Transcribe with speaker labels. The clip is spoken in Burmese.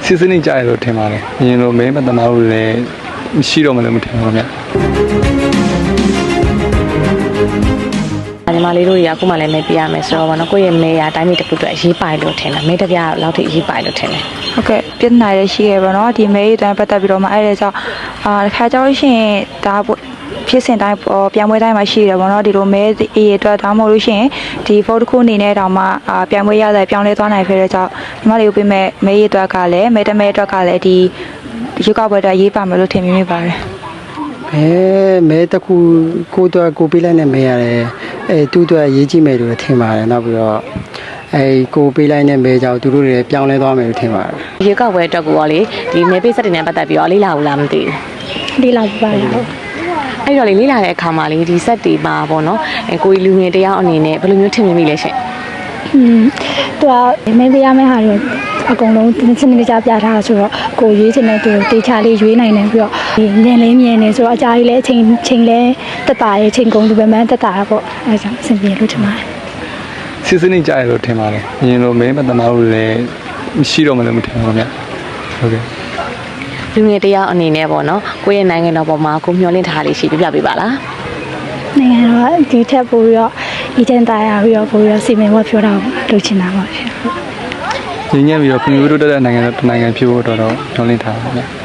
Speaker 1: စစ်စနစ်ကြရလို့ထင်ပါတယ်။ရင်လိုမဲမတနာလို့လည်းမရှိတော့မှလည်းမထင်ပါဘူးဗျ။
Speaker 2: ညီမလေးတို့တွေကခုမှလည်းမဲပြရမယ်ဆိုတော့ဗောနော်ကိုယ့်ရဲ့မဲရအတိုင်းတစ်ခုအတွက်ရေးပိုင်လို့ထင်တယ်မဲတစ်ပြားလောက်ထိရေးပိုင်လို့ထင်တယ်
Speaker 3: ဟုတ်ကဲ့ပြဿနာရရှိခဲ့ပါတော့ဒီမဲရေးတိုင်းပတ်သက်ပြီးတော့မှအဲ့ဒါကြောင့်တစ်ခါကြောင့်ရှင်ဒါဖြစ်စဉ်တိုင်းပြန်ပွဲတိုင်းမှာရှိတယ်ဗောနော်ဒီလိုမဲအေးအတွက်ဒါမှမဟုတ်လို့ရှင်ဒီဖော်တစ်ခုအနေနဲ့တောင်မှပြန်ပွဲရတဲ့ပြောင်းလဲသွားနိုင်ခဲ့တဲ့ကြောင့်ညီမလေးကိုပြမဲ့မဲရေးအတွက်ကလည်းမဲတမဲအတွက်ကလည်းဒီရုပ်ကပွဲအတွက်ရေးပါမယ်လို့ထင်မိပါတယ်
Speaker 4: မဲတခုကိုတော့ကိုပေးလိုက်နဲ့မဲရတယ်တူတော့ရေးကြည့်မယ်လို့ထင်ပါတယ်နောက်ပြီးတော့ကိုပေးလိုက်နဲ့မဲကြောင့်သူတို့တွေပြောင်းလဲသွားမယ်လို့ထင်ပါတယ်
Speaker 2: ရေကောက်ပွဲအတွက်ကိုရောလေဒီမဲပေးစက်တွေနဲ့ပတ်သက်ပြီးတော့လေးလာဘူးလားမသိဘူးလေးလာပါလားအဲ့တော့လေလေးလာတဲ့အခါမှာလေဒီစက်တွေပါပေါ့နော်ကိုလူငယ်တယောက်အနေနဲ့ဘယ်လိုမျိုးထင်မိလဲရှင်
Speaker 5: သူကမဲပေးရမယ့်ဟာတွေအကုန်လုံးစနစ်တကျပြထားဆိုတော့ကိုရွေးချင်တဲ့သူတေချာလေးရွေးနိုင်တယ်ပြီးတော့ဒီညင်လေးမြင်နေဆိုတော့အကြာကြီးလည်းချိန်လဲတက်တာရဲ့ချိန်ကုန်သူပဲမှန်းတက်တာပေါ့အဲဒါကြောင့်အဆင်ပြေလို့ထင်ပါတယ်
Speaker 1: စစ်စနစ်ကြရလို့ထင်ပါတယ်။ရင်လိုမဲမတနာလို့လည်းမရှိတော့မှလည်းမထင်ပါဘူးဗျ။ဟုတ်ကဲ့
Speaker 2: လူငယ်တယောက်အနေနဲ့ပေါ့နော်ကိုယ့်ရဲ့နိုင်ငံတော်ပေါ်မှာကိုမျှော်လင့်ထားလေးရှိပြပေးပါလား
Speaker 5: နိုင်ငံတော်ဒီထက်ပိုပြီးတော့အကျဉ်းသားရပြီးတော့ပိုပြီးတော့စီမံဝတ်ပြောတာလုပ်ချင်တာပါရှင်
Speaker 1: ။ရင်းညံ့ပြီးတော့ကွန်ပျူတာတက်တဲ့နိုင်ငံဖြစ်ဖို့တော့မျှော်လင့်ထားပါဗျ။